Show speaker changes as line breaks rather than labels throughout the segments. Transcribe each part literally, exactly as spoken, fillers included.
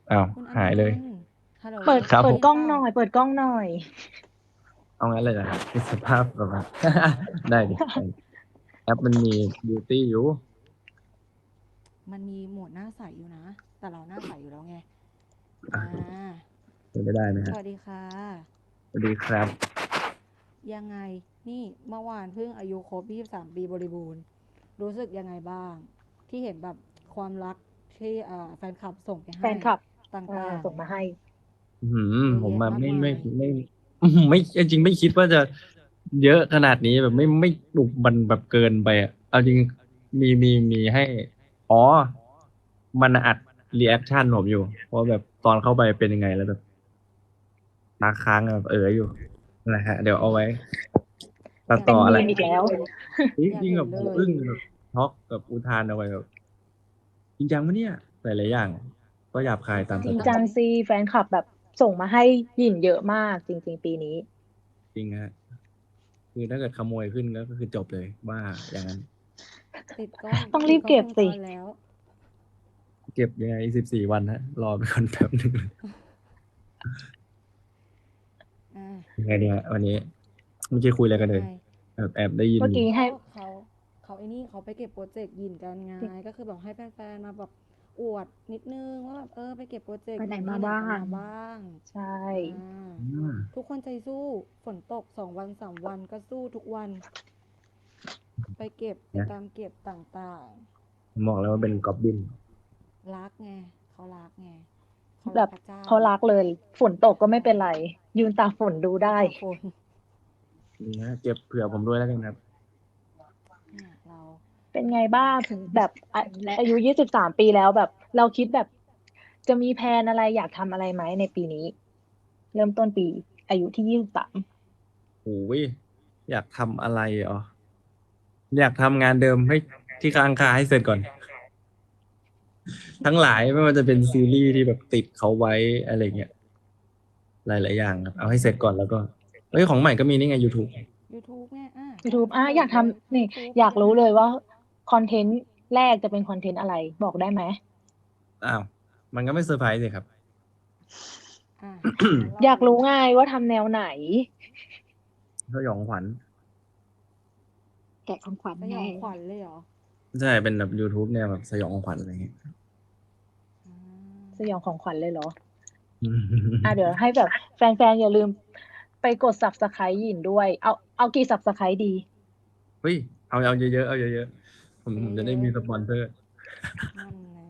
อ้าว
คุณอ
หายเลย
นันต์ฮัลโหล
เปิด
ครับ
เปิ
ผม
ดกล้อง
ได้ยินเปล่า
หน่อยเปิดกล้องหน่อย
เอางั้นเลยนะครับเป็นสภาพแบบว่าได้ดิได้ดิแอปมันมีบิวตี้อยู่
มันมีโหมดหน้าใสอยู่นะ แต่เราหน้าใสอยู่แล้วไง
อ่ะ
อ่า
เป็นไม่ได้ไหม
ส
ฮะ
วัสดีค่ะ
สวัสดีครับ
ยังไง นี่เมื่อวานเพิ่งอายุครบยี่สิบสามปีบริบูรณ์ รู้สึกยังไงบ้าง ที่เห็นแบบความรักที่อ่าแฟนคลับส่งไปให้
แฟนคลับ
ต
อ่า
่าง
ส่งมาให้
อืม
ๆเยอะ
ผม
แยะ
มาไม่ไม่
มากมาย
ไม่อืมไม่จริงๆไม่คิดว่าจะเยอะขนาดนี้แบบไม่ไม่บุกบันแบบเกินไปอ่ะเอาจริงมีมีมีให้อ๋อมันอัดรีแอคชั่นผมอยู่เพราะแบบตอนเข้าไปเป็นยังไงแล้วแบบตาค้างแบบเอออยู่นั่นแหละฮะเดี๋ยวเอาไว้ตัด
อยาก
เป็นมี
ต่ออะไร
เห็นเลย
มอีกแล้ว
จริง
อยาก
จริงแบบ
เห็นเลย
ผมอึ้งแบบช็อกกับอุทานเอาไว้แบบจริงจังปะเนี่ยหลายๆอย่างก็หยาบคายตาม
จริง
จริง
สไตล์
จังซีแฟนคลับแบบส่งมาให้หยินเยอะมากจริงๆปีนี้
จริงฮะคือถ้าเกิดขโมยขึ้นก็คือจบเลยว่าอย่างนั้น
ติดกล้อง
ต้องรี
ติดกล้องวงจ
บเก็บสิ
รแล้ว
เก็บยังไงอีกสิบสี่วันฮะรอไปก่อนแป๊บหนึ่ง
อ่า
ยังไงเนี่ยวันนี้เมื่อกี้คุยอะไรกัน
ยังไง
เลยแอบแอบได้ยินอยู่
เมื่อกี้ให้
ก็เขาเขาไอ้นี่เขาไปเก็บโปรเจกต์หยินกันไงก็คือแบบให้แฟนๆมาแบบอวดนิดนึงว่าแบบเออไปเก็บโปรเจก
ไปไหน
ต์หยิน
มาบ้า
ที่ไหนกัน
ง
มาบ้าง
ใช่
อ่า
อืม
ทุกคนใจสู้ฝนตกสองวันสามวันก็สู้ทุกวันไปเก็บไป
นะ
ตามเก็บต่าง
ผมบอกแล้วว่าเป็น
ๆอืม
ก๊อบบิน
รักไงเขารักไงเขา
แบบ
รักพระเจ้า
เขารักเลยฝนตกก็ไม่
ใช่
เป็นไรยืนตากฝนดูได้
ยืนตากฝน
นี่ฮะเก็บเผื่อผมด้วยแล้วกันครับ
เนี่ยเรา
เป็นไงบ้าง
อ่ะ
แบบอาอายุยี่สิบสามปีแล้วแบบเราคิดแบบจะมีแพลนอะไรอยากทำอะไรไหมในปีนี้เริ่มต้นปีอายุที่ยี่สิบสาม
โอ้ยอยากทำอะไรอ๋ออยากทำงานเดิมให้ที่ค้างคาให้เสร็จก่อนทั้งหลายไม่ว่าจะเป็นซีรีส์ที่แบบติดเขาไว้อะไรเงี้ยหลายๆอย่างครับเอาให้เสร็จก่อนแล้วก็เอ้ยของใหม่ก็มีนี่ไง YouTube
ยูทูบไงอ่ะ
ยูทูบ
กำลังจะ
อ่ะอยากท
บอกเลย
ำนี่
ยูทูบ
อยาก
ยังไง
รู้เลยว่าคอนเทนต์แรกจะเป็นคอนเทนต์อะไรบอกได้ไหม
อ้าวมันก็ไม่เซอร์ไพรส์เลยครับ
อ่ะงั้นเรา
อยากรู้ไงว่าทำแนวไหน
สยองขวัญ
แกะของขวัญไง
สยองขวัญเลยเหรอ
ใช่เป็นแบบ YouTube แนวแบบสยองขวัญอะไรเงี้ย
อ่
สยองของขวัญเลยเหรอ
อื
อ่ะเดี๋ยว
ม
ให้แบบแฟนๆอย่าลืมไปกด ซับสไครบ์ หยินด้วยเอาเอากี่ ซับสไครบ์ ดี
เฮ้ยเอาเอาเยอะๆเอาเยอะๆผม
เ
ผมจะได้
ยอะ
มีสปอนเซอร์
ๆนั่นไง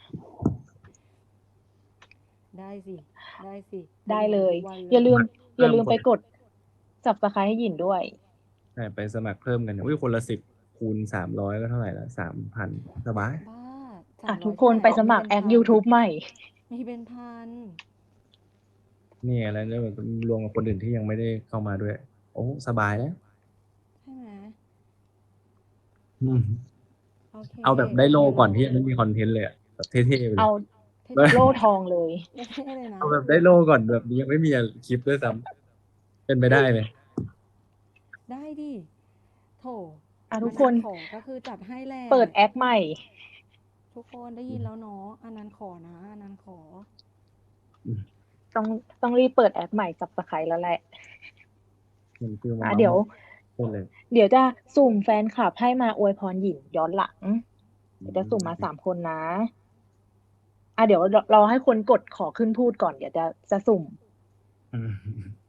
ได้สิได้สิข
ได้เลย
ยันทุกวันเลย
อย่าลืมอย่า
เพิ่มคน
ลืมไปกด ซับสไครบ์ ให้หยินด้วย
ใช่ไปสมัครเพิ่มกันอุ้ยคนละสิบคูณสามร้อยก็เท่าไหร่ละสามพันสบาย
บ้าสา
อ่ะ
มร้อย
ทุกคน
ที่ไหนเรามี
ไปสมัครแอค
เป็นพัน
YouTube ใหม่
มีเป็นพัน
นี่อะไรเนี่ยแบบรวมกับคนอื่นที่ยังไม่ได้เข้ามาด้วยโอ้สบายแล้ว
ใช่ไหม
อืม
โอเค
เอาแบบได้โล่
เดี๋ยวเรา
ก่อนที่ยังไม่มีคอนเทนต์เลยอะแบบเท่ๆไปเล
เอา
ย
เท่
โล่ทองเลย
ๆเท่ๆเลยนะ
เอาแบบได้โล่ก่อนแบบยังไม่มีคลิปด้วยซ้ำเป็นไปได้ไหม
ได้ดิโถ
อ่ะทุ
อัน
กคน
นั้นขอก็คือจัดให้แหละ
เปิดแอคใหม่
ทุกคนได้ยินแล้วเนาะอันนั้นขอนะอันนั้นขอ
อืม
ต้องต้องรีบเปิดแอคใหม่ ซับสไครบ์ แล้วแหละ
มันคือมา
อ่ะเดี๋ยว
เมาส์มอยได้เลย
เดี๋ยวจะสุ่มแฟนคลับให้มาอวยพรหยินย้อนหลัง
อื
เดี๋ยวจะสุ่มมาสาม
ม
คนนะ อ่ะเดี๋ยวรอรอให้คนกดขอขึ้นพูดก่อนเดี๋ยวจะจะสุ่ม
อืม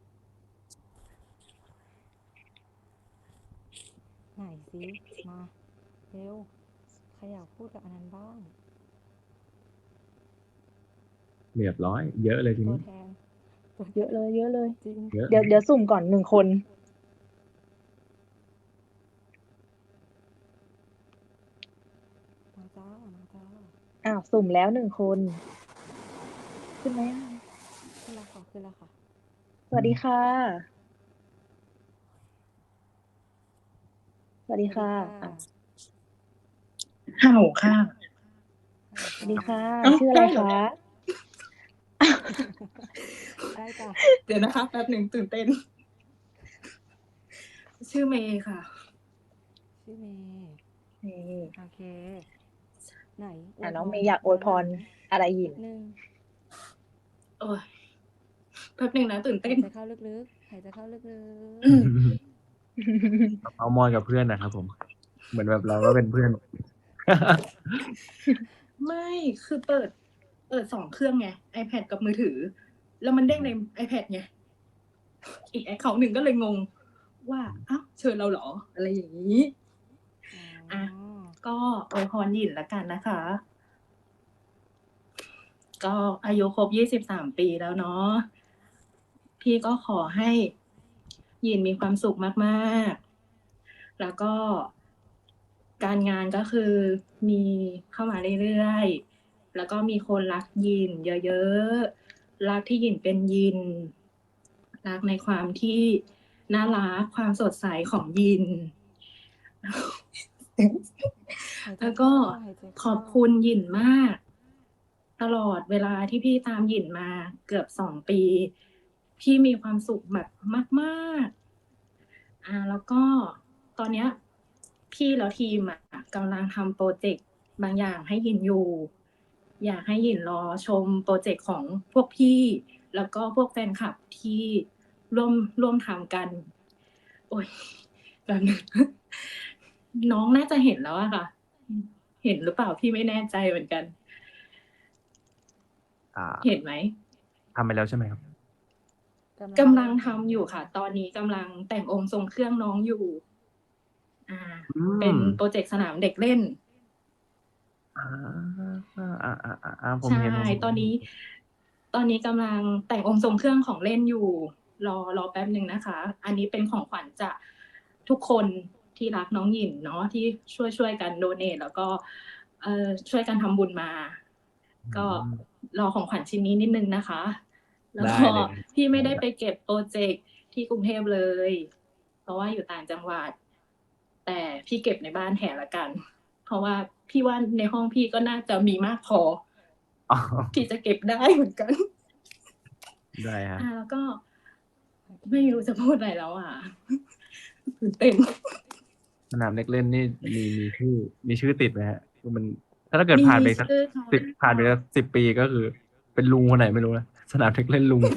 ไหนสิมาเร็วใครอยากพูดกับอันนั้นบ้าง
เรียบร้อยเยอะเลยทีนี้
ตัวแทนตัวแทน
เยอะเลยเยอะเลย
จริง
เยอะ
เดี๋ยวเดี๋ยวสุ่มก่อนหนึ่งคน
มาจ้ามาจ้า
อ้าวสุ่มแล้วหนึ่งคนขึ้นไหมอ่ะ
ขึ้นแล้วค่ะขึ้นแล้วค่ะ
สวัสดีค่ะสวัสดีค่ะ
สวัสดีค่ะ
อ่ะ
ฮัลโหลค่ะ
ฮัลโหลจ้า
สวัสดีค่ะ
เอ้า
ชื่ออะไร
ได้เหรอ
คะ
ได้จ้ะ
เดี๋ยวนะคะแป๊บหนึ่งตื่นเต้น ชื่อเมย์ค่ะ
ชื่อเมย์
นี่
โอเคไหนอว
อ่ะ
ยพร
น้องเมย์อยากอวยพร
ย้อนหลัง
อะไรหยิน
นิดนึง
โอ้ยแป๊บหนึ่งนะตื่น
หา
เต้
ย
น
ใจเข้าลึกๆหายใจเข้าลึก
เอามอยกับเพื่อนนะครับผม เหมือนแบบเราก็เป็นเพื่อน
ไม่คือเปิด เปิดสองเครื่องไง iPad กับมือถือ แล้วมันเด้งใน iPad ไง อีกแอคเคาท์หนึ่งก็เลยงง ว่าอ้าวเชิญเราเหรอ อะไรอย่างนี้
ๆอ๋อ
อ่ะ ก็อวยพรหยินละกันนะคะ ก็อายุครบยี่สิบสามปีแล้วเนาะพี่ก็ขอให้หยินมีความสุขมากๆ แล้วก็การงานก็คือมีเข้ามาเรื่อยๆ แล้วก็มีคนรักหยินเยอะๆ รักที่หยินเป็นหยิน รักในความที่น่ารักความสดใสของหยิน
หายใจ
แล้ว
เข้า
ก็
หายใจ
ข
เข้า
อบคุณหยินมาก ตลอดเวลาที่พี่ตามหยินมาเกือบสองปี พี่มีความสุขแบบมากๆ อ่า แล้วก็ตอนเนี้ยพี่แล้วทีมอะกำลังทำโปรเจกต์บางอย่างให้หยินอยู่ อยากให้หยินรอชมโปรเจกต์ของพวกพี่ แล้วก็พวกแฟนคลับที่ร่วมร่วมทำกัน โอ๊ยแบบนึง น้องน่าจะเห็นแล้วอะค่ะ เห็นหรือเปล่าพี่ไม่แน่ใจเหมือนกัน
อ่า
เห็นไหม
ทำไปแล้วใช่ไหมครับ
กำลังทำอยู่ค่ะ ตอนนี้กำลังแต่งองค์ทรงเครื่องน้องอยู่ อ่า
อื
เป็น
ม
โปรเจกต์สนามเด็กเล่น
อา อา ๆ ๆ ๆ ผม
ใช่
เห็น ผมเห็น
ตอนนี้ ตอนนี้กำลังแต่งองค์ทรงเครื่องของเล่นอยู่ รอ รอแป๊บหนึ่งนะคะ อันนี้เป็นของขวัญจากทุกคนที่รักน้องหยินเนาะ ที่ช่วย ช่วยกันโดเนต แล้วก็ เอ่อ ช่วยกันทำบุญมา
อื
ก็
ม
รอของขวัญชิ้นนี้นิดหนึ่งนะคะ แล้ว
ได้
ก็
เลย
พี่ไม่ได้
ได้
ไปเก็บพรอเจกต์ที่กรุงเทพเลย เพราะว่าอยู่ต่างจังหวัด แต่พี่เก็บในบ้านแทนแล้วกัน เพราะว่าพี่ว่าในห้องพี่ก็น่าจะมีมากพอ
อ๋อ
ที่จะเก็บได้เหมือนกัน
ได้ครั
อ่า
บ
แล้วก็ ไม่รู้จะพูดอะไรแล้วอะ ตื่นเต้น
สนามเด็กเล่นนี่มี มีชื่อ มีชื่อติดไหมครับ? คือมัน ถ้าเกิด
มี
ผ่านไปสัก
ชื่อค่ะ
สิบ ผ่านไปสัก สิบ ปี ก็คือเป็นลุงคนไหนไม่รู้นะ สนามเด็กเล่นลุง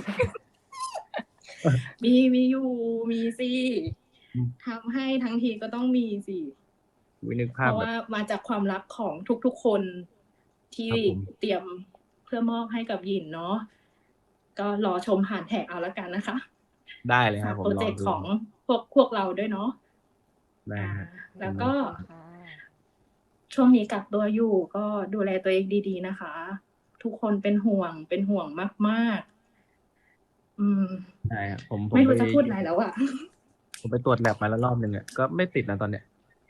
มี มีอยู่ มีสิ
อืม
ทำให้ทั้งทีก็ต้องมีสิ
อุ๊ย นึกภ
เพ
าพ
ราะว
แบ่
า
บ
มาจากความรักของทุก ๆ คนที่
ครับผม
เตรียมเพื่อมอบให้กับหยินเนาะ ก็รอชมผ่านแท็กเอาแล้วกันนะคะ ฝา
ได้เลยครับ
ก
ผ
พ
ม
รอ
ร
เจ
อก
กต์
ดู
ของพวก พวกเราด้วยเนาะ
ได้
อ่า
ครับ
แล้ว
อืม
ก็
โอเคค่ะ
ช่วงนี้กักตัวอยู่ ก็ดูแลตัวเองดี ๆ นะคะ ทุกคนเป็นห่วง เป็นห่วงมาก ๆ อืม
ได้ครับ ผม ผ
ไม่
ม
ร
ไป
ู้จะพูดอะไรแล้วอะ
ผมไปตรวจ lab มาแล้วรอบหนึ่งอะ ก็ไม่ติดนะตอนเนี้ย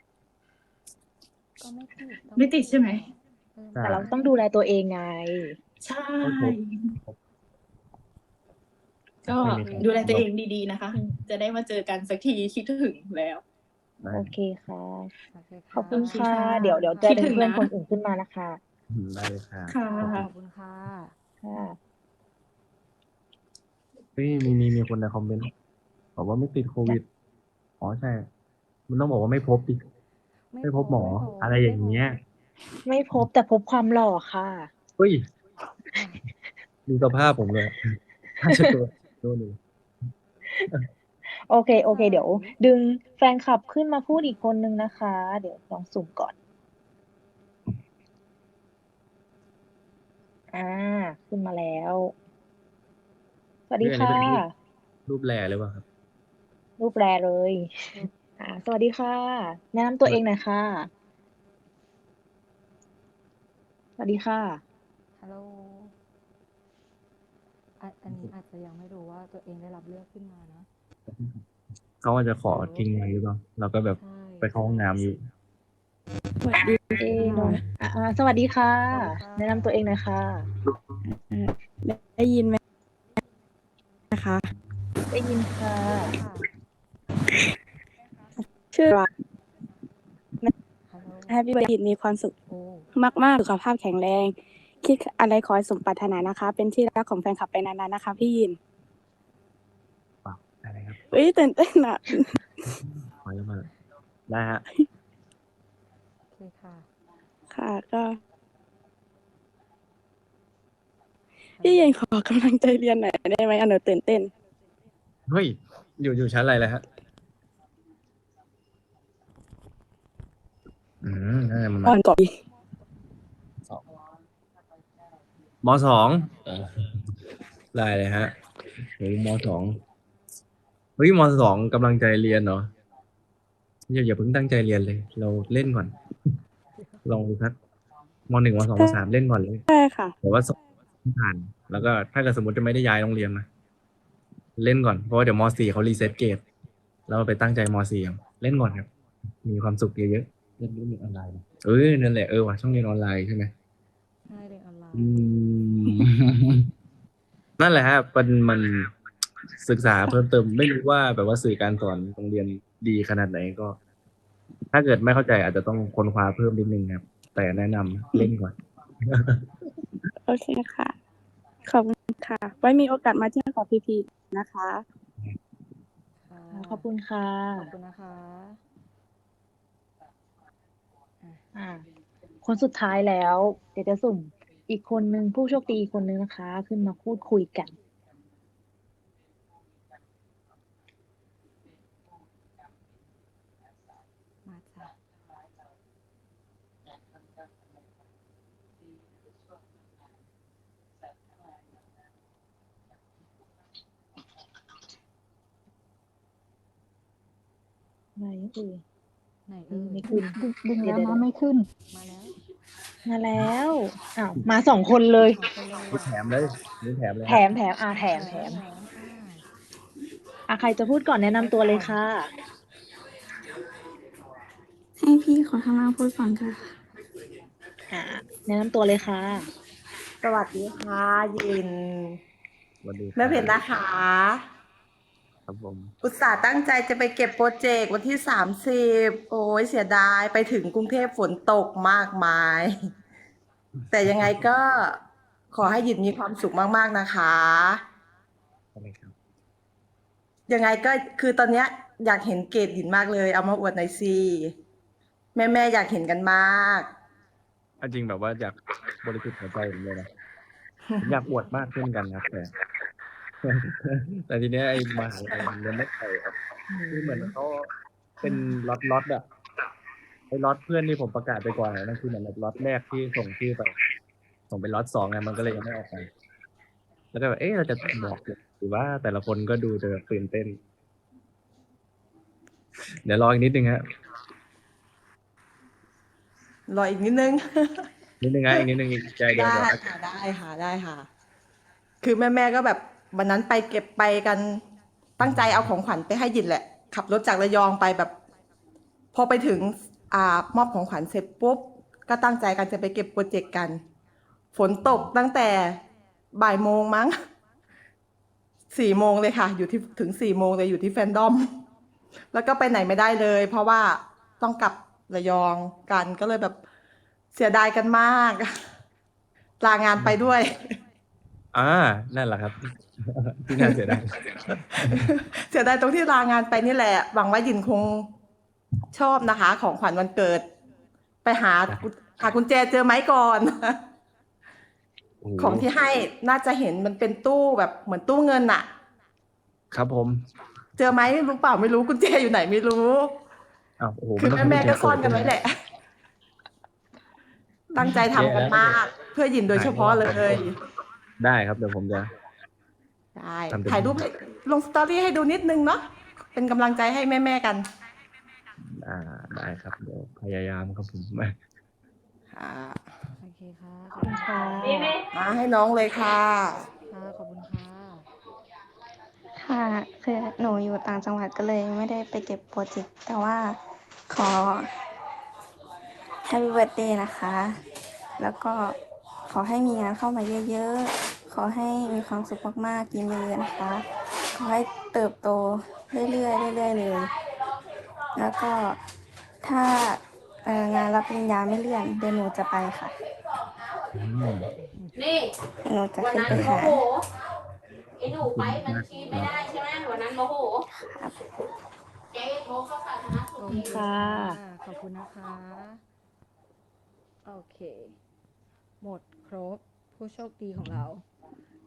ก็ไม่ติด ก็
ไม่
ไม่
ติดใช่ไหม?
เออ
ใช่
แต่เราต้องดูแลตัวเองไง
ใช่
ไม่พบ พบ
ก็
ไม่มี
โอเค
ดูแล
ค่ะ
ตัวเองดี ๆ นะคะ จะได้มาเจอกันสักที คิดถึงแล้ว
ได้
โอเคค่ะ
โอเค
ขอบคุ
โอ
ณ
เค
ค่ะ
ค่ะ
เดี๋ยว เดี๋ยวจะ
คิด
ดึ
ถึ
ง
ง
เพื่อ
น
นคนอื่นขึ้นมานะคะ
อืม ได้เลยครับ
ค่ะ
ค่ะ
ขอบคุณ
ขอบคุณค่ะ
ค่ะ
เฮ้ย มี มี มีคนในคอมเมนต์บอกว่าไม่ติดโควิด อ๋อ ใช่ มันต้องบอกว่าไม่พบสิ
ไม่
ไม่
พ
พบหมอ
ไม่พบ
อะไร
ไ
อ
ม
ย่
่
าง
พ
เงี้ย
บ
ไม่พบ แต่พบความหล่อค่ะ
เฮ้ย
ค่ะ
ดูสภาพผมเลย น่าจะตัว ตัวหนึ่ง
โอเค
พี่
โอ
ใส
เค เดี๋ยวดึงแฟนคลับขึ้นมาพูดอีกคนหนึ่งนะคะ เดี๋ยวลองสุ่มก่อน อา ขึ้นมาแล้ว สวัส
เฮ้
ดี
ย อัน
ค
นี้
่
เป็นรูป
ะ
รูป rare หรือเปล่าครับ?
รูป rare เลย
รูป
อ่า สวัสดีค่ะ แนะนำตัวเองหน่อยค่ะ สวัสดีค่ะ
ฮัลโหล อัน อันนี้อาจจะยังไม่รู้ว่าตัวเองได้รับเลือกขึ้นมานะ
เขาอาจจะขอ
ฮัลโหล
ทิ้งไว้หรือเปล่า? เราก็แบบ
ใช่
ไปเข้าห้องน้ำอยู่
สวัสดี
เอ๊
ค่
น้อง
ะ
อา ๆ สวัสดีค่ะ
สวัสดีค่ะ
แนะนำตัวเองหน่อยค่ะ
เอ่อ ได้ ได้ยินไหม นะคะ?
ได้ยินค่ะ
ได้ค่ะ
ชื่อ ว่า
ฮัลโหล
Happy birthday มีความสุข
โอ้
มาก ๆ สุขภาพแข็งแรง คิดอะไรขอให้สมปรารถนานะคะ เป็นที่รักของแฟนคลับไปนาน ๆ นะคะพี่หยิน
อ้าว ได้เลยครับ
อุ๊ย ตื่น เต้น อะ
ขออนุญาต ได้ครับ
โอเคค่ะ
ค่ะ ก็พี่ยินขอกำลังใจเรียนหน่อยได้ไหมอันหนูตื่นเต้น
เฮ้ยอยู่อยู่ชั้นอะไรเลยฮะอืมน่าจะมัน
อ่อนก่อน
มสองได้เลยฮะโหมสองเฮ้ยมสองกำลังใจเรียนเนาะอย่าอย่าเพิ่งตั้งใจเรียนเลย เราเล่นก่อน ลองดูครับมหนึ่งมสองมสามเล่นก่อนเลย
ใช่ค่ะ
แต่ว่าสอบผ่าน แล้วก็ถ้าเกิดสมมติจะไม่ได้ย้ายโรงเรียนนะเล่นก่อนเพราะว่าเดี๋ยวมสี่เขารีเซ็ตเกรดแล้วไปตั้งใจมสี่เอาเล่นก่อนครับ มีความสุขเยอะๆเล่นเรียนออนไลน์เออนั่นแหละเออว่ะช่องเรียนออนไลน์ใช่ไหม
ใช่เรียนออนไล
อื
น์
ม นั่นแหละฮะมันมันศึกษาเพิ่มเติมไม่รู้ว่าแบบว่าสื่อการสอนโรงเรียนดีขนาดไหนก็ ถ้าเกิดไม่เข้าใจอาจจะต้องค้นคว้าเพิ่มนิดนึงครับ แต่แนะนำเล่นก่อน
โอเคค่ะ ขอบคุณค่ะ ไว้มีโอกาสมาเที่ยวกับพี่ๆนะคะ
ค่ะ
ขอบคุณค่ะ
ขอบคุณนะคะ
อ่า คนสุดท้ายแล้ว เดี๋ยวจะสุ่มอีกคนนึงผู้โชคดีอีกคนนึงนะคะ ขึ้นมาพูดคุยกัน
มาจ้ะ
ไหนเอ่ย
ไหน
อื
เอ่
ม
ย
ไม่ขึ้น
ดึง
เดี๋ย
แล้ว ว
เดี๋ยว
นะไม่ขึ้น
มาแล้ว
มาแล้วอ้าวมาสองคนเลย
สองคนเลย
นี่แถมเลยนี่แถมเลย
แถ
ฮะ
มแถมอ่าแถม
แถ
แถ
ม
ม
แถมอ่า
อ่ะใครจะพูดก่อนแนะนำตัวเลยค่ะ
ให้พี่ขอข้างล่างพูดก่อนค่ะ
อ่า แนะนำตัวเลยค่ะ
สวัสดีค่ะยิน
สวัสดีครับ
แม่เพชรนะคะ
ครับผม
อุตส่าห์ตั้งใจจะไปเก็บโปรเจกต์วันที่สามสิบโอ้ยเสียดายไปถึงกรุงเทพฝนตกมากมาย แต่ยังไงก็ขอให้หยินมีความสุขมากๆนะคะ
อะไรครับ
ยังไงก็คือตอนเนี้ยอยากเห็นเกรดหยินมากเลย เอามาอวดหน่อยสิแม่ๆอยากเห็นกันมาก
เอาจริงแบบว่าอยากบริสุทธิ์หัวใจผมเลยนะผมอยากอวดมากเช่นกันครับแต่ แต่ทีเนี้ยไอ้มหาลัยมันเรียนไม่ไปครับคือเหมือนเขาเป็นล็อตล็อตอะไอ้ล็อตเพื่อนที่ผมประกาศไปก่อนอะนั่นคือเหมือนแบบล็อตแรกที่ส่งชื่อไป ส่งเป็นล็อตสองไงมันก็เลยยังไม่ออกไปแล้วก็แบบเอ๊ะเราจะบอกหรือว่าแต่ละคนก็ดูจะแบบตื่นเต้น เดี๋ยวรออีกนิดนึงฮะ
รออีกนิดนึง
นิดนึงฮะอีกนิดนึงอีกใจเดียว
ได้
เดี๋ยว
ค่ะได้ค่ะได้ค่ะ คือแม่แม่ๆก็แบบวันนั้นไปเก็บไปกันตั้งใจเอาของขวัญไปให้ยินแหละ ขับรถจากระยองไปแบบ พอไปถึงอ่ามอบของขวัญเสร็จปุ๊บ ก็ตั้งใจกันจะไปเก็บโปรเจกต์กัน ฝนตกตั้งแต่บ่ายโมงมั้งสี่โมงเลยค่ะ อยู่ที่ถึงสี่โมงเลยอยู่ที่แฟนดอม แล้วก็ไปไหนไม่ได้เลย เพราะว่าต้องกลับระยองกันก็เลยแบบเสียดายกันมาก ลางานไปด้วย
อ่านั่นแหละครับ ที่น่าเสียดาย
เสียดายตรงที่ลางานไปนี่แหละ หวังว่ายินคงชอบนะคะ ของขวัญวันเกิด ไปหาหากุญแจเจอไหมก่อน
โอ้โห
ของที่ให้น่าจะเห็นมันเป็นตู้แบบเหมือนตู้เงินอะ
ครับผม
เจอไหมรู้เปล่าไม่รู้กุญแจอยู่ไหนไม่รู้
อ้าวโอ้โห
คือ
ต้ง
แม่แม่ๆก็
ให้
ซ่อนกัน
เจ
ไว้แหละ ตั้งใจทำกันมาก เพื่อยินโดยเฉพาะเลย
ได้ครับเดี๋ยวผมจะ
ได้
ทำเต็มที่
ถ่ายรูปให้ลงสตอรี่ให้ดูนิดนึงเนาะเป็นกำลังใจให้แม่ๆกัน
อ่าได้ครับเดี๋ยวพยายามครับผม
ค่ะ
โอเคค่ะ
ขอบคุณค่ะ
มาให้น้องเลยค่ะ
ค่ะ ขอบคุณค่ะ
ค่ะ คือหนูอยู่ต่างจังหวัดก็เลยไม่ได้ไปเก็บโปรเจกต์ แต่ว่าขอ Happy Birthday นะคะ แล้วก็ขอให้มีงานเข้ามาเยอะๆ ขอให้มีความสุขมากๆ ยิ้มเยอะๆนะคะ ขอให้เติบโตเรื่อยๆเรื่อยๆเลย แล้วก็ถ้าเอ่องานรับปริญญาไม่เลื่อนเดี๋ยวหนูจะไปค่ะ
อืม
นี่
หนูจะ
วัน
ขึ้น
นั้น
ไป
โม
หา
โหไอ้หนูไปบัญชีไม่ได้ใช่ไหมวันนั้นโมโหเจ๊โทรเข้าสาธารณสุ
โอ
ข
เค
ค่ะ
ขอบคุณนะคะ โอเค หมดครบผู้โชคดีของเรา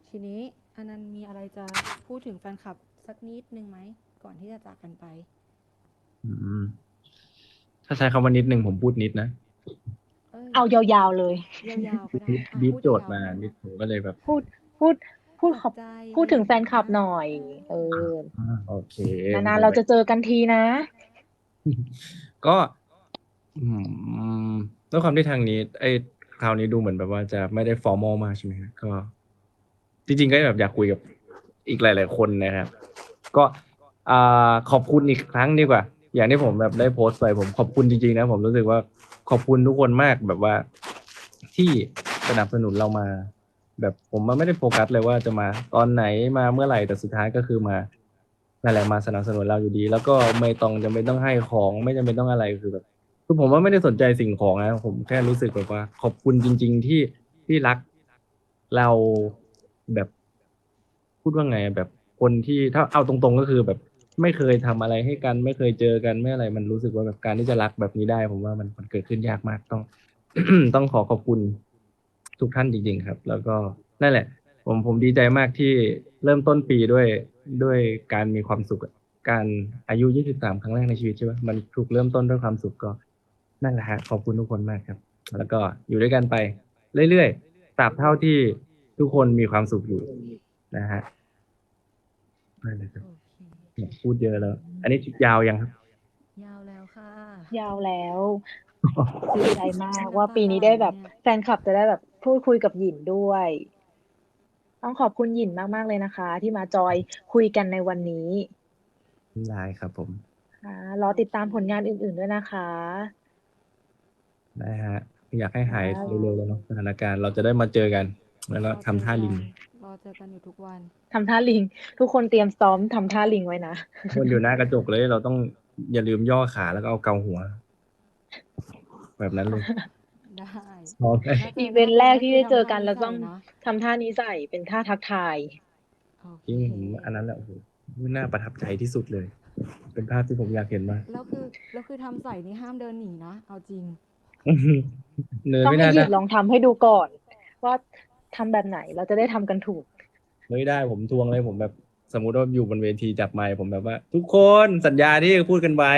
ทีนี้อันนั้นมีอะไรจะพูดถึงแฟนคลับสักนิดนึงไหม ก่อนที่จะจากกันไป
อืมถ้าใช้คำว่านิดหนึ่งผมพูดนิดนะ
เอ้ย
เอายาวๆเลย
ยาวๆก็ได้อ่ะ
บีบ
พูด
โจทย์
ยาวๆ
มา
ก็ได้
นิด
นะ
ผมก็เลยแบบ
พูดพูดพูดขอบ
ปลอบใจ
พูดถึง
อะไร
แฟนคลับ
อย่างเงี้ย
หน่อย เออ
อ่าโอเค
นานๆเราจะเจอกันทีนะ
ก็ อืมด้วยความที่ทางนี้ ไอ้คราวนี้ดูเหมือนแบบว่าจะไม่ได้ formal มากใช่ไหมครับก็ จริงๆก็แบบอยากคุยกับอีกหลาย ๆ คนนะครับ ก็อ่าขอบคุณอีกครั้งดีกว่า อย่างที่ผมแบบได้โพสต์ไปผมขอบคุณจริงๆนะผมรู้สึกว่าขอบคุณทุกคนมากแบบว่า ที่สนับสนุนเรามา แบบผมมันไม่ได้โฟกัสเลยว่าจะมาตอนไหนมาเมื่อไหร่แต่สุดท้ายก็คือมานั่นแหละมาสนับสนุนเราอยู่ดี แล้วก็ไม่ต้องจำเป็นต้องให้ของไม่จำเป็นต้องอะไรคือแบบคือผมว่าไม่ได้สนใจสิ่งของนะผมแค่รู้สึกแบบว่า ขอบคุณจริง ๆ ที่ที่รักเราแบบ พูดว่าไงอะแบบคนที่ถ้าเอาตรงๆก็คือแบบไม่เคยทำอะไรให้กัน ไม่เคยเจอกันไม่อะไรมันรู้สึกว่าแบบการที่จะรักแบบนี้ได้ ผมว่ามันมันเกิดขึ้นยากมากต้อง ต้องขอขอบคุณทุกท่านจริง ๆ ครับ แล้วก็นั่นแหละ ผมผมดีใจมากที่เริ่มต้นปีด้วยด้วยการมีความสุขอะการอายุ ยี่สิบสาม ครั้งแรกในชีวิตใช่ไหมมันถูกเริ่มต้นด้วยความสุขก็นั่นแหละฮะขอบคุณทุกคนมากครับ แล้วก็อยู่ด้วยกันไปเรื่อยๆตราบเท่าที่ทุกคนมีความสุขอยู่นะฮะนั่นแหละครับ
โอเค
เนี่ยพูดเยอะแล้ว อันนี้ยาวยังครับ
ยาวแล้วค่ะ
ยาวแล้ว ดีใจมาก
น้ำ
ว่า
ตา
ปี
จะ
นี้
ไหล
ได้
เล
แบ
ย
บ
เนี่ย
แฟนคลับจะได้แบบพูดคุยกับหยินด้วย ต้องขอบคุณหยินมากๆเลยนะคะ ที่มาจอยคุยกันในวันนี้
ได้ครับผม
ค่ะ รอติดตามผลงานอื่น ๆ ด้วยนะคะ
ได้ฮะ อยากให้
ค
หาย
รับ
เร็วๆเลยเนาะสถานการณ์เราจะได้มาเจอกัน แล้ว
ร
ก็
อเจ
ทำท่า
กั
ลิง
น รอเจอกันอยู่ทุกวัน
ทำท่าลิง ทุกคนเตรียมซ้อมทำท่าลิงไว้นะ
วนอยู่หน้ากระจกเลย เราต้องอย่าลืมย่อขาแล้วก็เอาเกาหัว แบบนั้นเลย
ได้
ซ้อม ได้
ถ้าเจ
อี
อ
เว
หน้าน
ต์
กั
แร
น
ก
ก็
ที่
คือ
ได้
ทำ
เจอ
ท่า
กัน
นี้
เรา
ใส่
ต้อง
นะ
ทำท่านี้ใส่ เป็นท่าทักทาย
โอเค
จริงผมอันนั้นแหละ โอ้โฮ น่าประทับใจที่สุดเลย เป็นภาพที่ผมอยากเห็นมาก
แล้วคือ แล้วคือทำใส่นี่ห้ามเดินหนีนะ เอาจริง
เดิน
ต้อง
ไม่
ให้
น่า
หยิ
ได้
นลองทำให้ดูก่อน ว่าทำแบบไหน เราจะได้ทำกันถูก
ไม่ได้ ผมทวงเลย ผมแบบ สมมุติว่าอยู่บนเวทีจับไมค์ผมแบบว่า "ทุกคนสัญญาที่พูดกันไว้"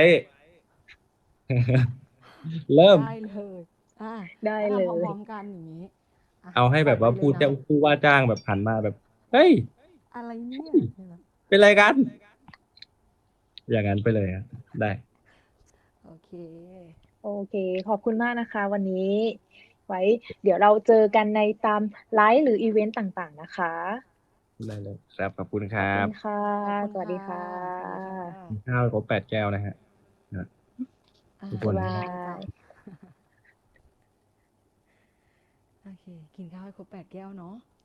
เริ่ม
ได้เลย อา
ได้
แล้ว
เล
ทำพร้
ย
อม ๆ กันอย่างงี้ อะ
เอาให้
ป
แบบว่า
ไปเล
ผู้
ย
จ้า
นะ
ผู้ว่าจ้างแบบหันมาแบบ "เฮ้ย!
อะไรเนี่
เฮ้
ย
ย
ใช่ไหม?
เป็นไรกัน?" อย่างงั้นไปเลยครับ ได้
โอเค
โอเค ขอบคุณมากนะคะวันนี้ ไว้เดี๋ยวเราเจอกันในตามไลฟ์หรืออิเวนต์ต่าง ๆ นะคะ
ได้เลยครับ ขอบคุณค
ขอบ
รั
คุ
บ
ณค่ะ
ขอบคุณ
สวัส
ค่
ดี
ะ
ค่
สวัสดีค่ะ
ะ
กินข้าวให้ครบ แปด แก้วนะครับ ครับ
อา
ทุกค
บ๊าน ย
น
บา
ได้จ้ะ
ย
โอเค กินข้าวให้ครบ แปด แก้วเนาะ